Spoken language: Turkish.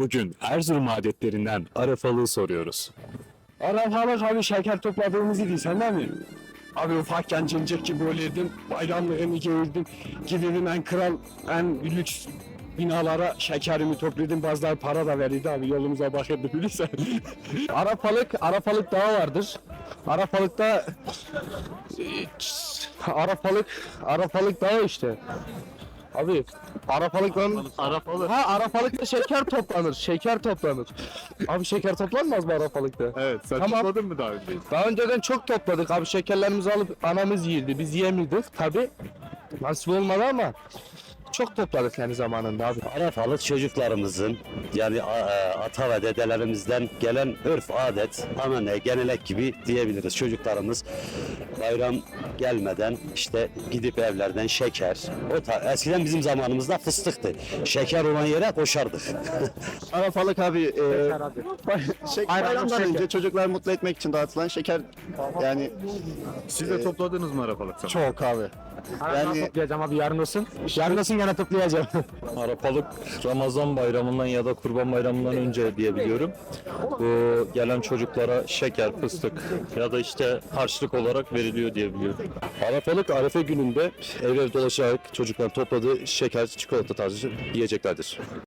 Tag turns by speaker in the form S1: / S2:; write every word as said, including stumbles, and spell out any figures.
S1: Bugün Erzurum adetlerinden Arafalığı soruyoruz.
S2: Arafalık abi şeker topladığımız idi sen değil mi? Abi ufakken cincik gibi olurdum, bayramlığımı giyirdim, giderdim en kral, en lüks binalara şekerimi topladım, bazıları para da verirdi abi yolumuza bakırdı bilirsen. Arafalık, Arafalık dağı vardır. Arafalık'ta Arafalık, Arafalık dağı işte. Abi Arafalık'tan
S3: Arafalı.
S2: Ha Arafalık'ta şeker toplanır. Şeker toplanır. Abi şeker toplanmaz mı Arafalık'ta?
S3: Evet, sen
S2: Tamam.
S3: topladın mı daha önce?
S2: Daha önceden çok topladık abi, şekerlerimizi alıp anamız yiyirdi. Biz yiyemiyorduk tabi. Nasip olmadı ama çok topladık yani zamanında abi.
S4: Arafalık çocuklarımızın yani a- a- ata ve dedelerimizden gelen örf, adet, anane, genelek gibi diyebiliriz. Çocuklarımız bayram gelmeden işte gidip evlerden şeker, o ta- eskiden bizim zamanımızda fıstıktı. Şeker olan yere koşardık.
S5: Arafalık abi, e, şey,
S2: Bayram
S5: bayramdan
S2: şeker.
S5: önce çocuklar mutlu etmek için dağıtılan şeker yani
S3: Siz de topladınız mı Arafalık zamanı?
S2: Çok abi.
S5: yani
S2: Toplayacağım abi yarın olsun. Yarın olsun gene toplayacağım.
S6: Arapalık Ramazan bayramından ya da Kurban bayramından önce diyebiliyorum. Bu gelen çocuklara şeker, fıstık ya da işte harçlık olarak veriliyor diyebiliyorum.
S7: Arafalık Arefe gününde ev ev dolaşarak çocuklar topladığı şeker, çikolata tarzı yiyeceklerdir.